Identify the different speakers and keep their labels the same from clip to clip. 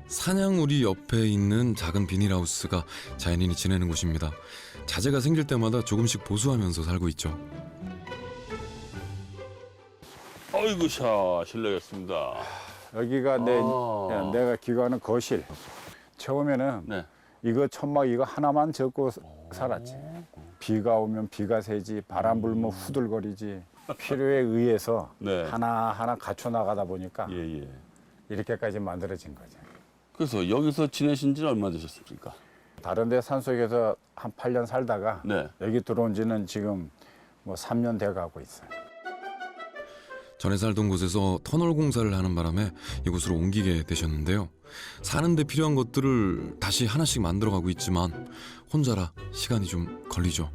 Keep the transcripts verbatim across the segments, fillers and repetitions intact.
Speaker 1: 사냥우리 옆에 있는 작은 비닐하우스가 자연인이 지내는 곳입니다. 자재가 생길 때마다 조금씩 보수하면서 살고 있죠.
Speaker 2: 어이구 샤 실례겠습니다.
Speaker 3: 여기가 내,
Speaker 2: 아.
Speaker 3: 내가 기거하는 거실. 처음에는
Speaker 2: 네.
Speaker 3: 이거 천막 이거 하나만 접고 살았지. 비가 오면 비가 새지, 바람 불면 후들거리지. 필요에 의해서
Speaker 2: 네.
Speaker 3: 하나하나 갖춰 나가다 보니까
Speaker 2: 예, 예.
Speaker 3: 이렇게까지 만들어진 거죠.
Speaker 2: 그래서 여기서 지내신 지는 얼마 되셨습니까?
Speaker 3: 다른 데 산속에서 한 팔 년 살다가
Speaker 2: 네.
Speaker 3: 여기 들어온 지는 지금 뭐 삼 년 돼 가고 있어요.
Speaker 1: 전에 살던 곳에서 터널 공사를 하는 바람에 이곳으로 옮기게 되셨는데요. 사는 데 필요한 것들을 다시 하나씩 만들어가고 있지만 혼자라 시간이 좀 걸리죠.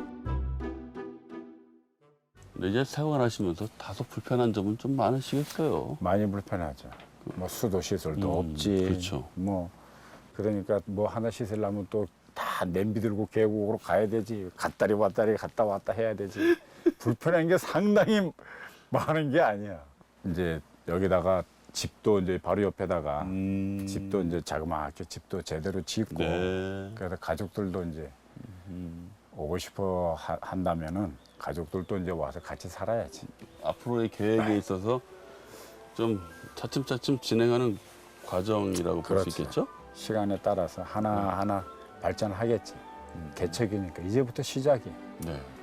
Speaker 2: 근데 이제 생활하시면서 다소 불편한 점은 좀 많으시겠어요.
Speaker 3: 많이 불편하죠. 뭐 수도 시설도
Speaker 2: 음,
Speaker 3: 없지.
Speaker 2: 그렇죠.
Speaker 3: 뭐 그러니까 뭐 하나 씻으려면 또 다 냄비 들고 계곡으로 가야 되지. 갔다리 왔다리 갔다 왔다 해야 되지. 불편한 게 상당히 많은 게 아니야. 이제 여기다가 집도 이제 바로 옆에다가
Speaker 2: 음.
Speaker 3: 집도 이제 자그마하게 집도 제대로 짓고
Speaker 2: 네.
Speaker 3: 그래서 가족들도 이제
Speaker 2: 음.
Speaker 3: 오고 싶어 하, 한다면은 가족들도 이제 와서 같이 살아야지.
Speaker 2: 앞으로의 계획에 있어서 좀 차츰차츰 진행하는 과정이라고 볼 수
Speaker 3: 그렇지.
Speaker 2: 있겠죠?
Speaker 3: 시간에 따라서 하나 하나 발전하겠지. 개척이니까 이제부터 시작이.
Speaker 2: 네.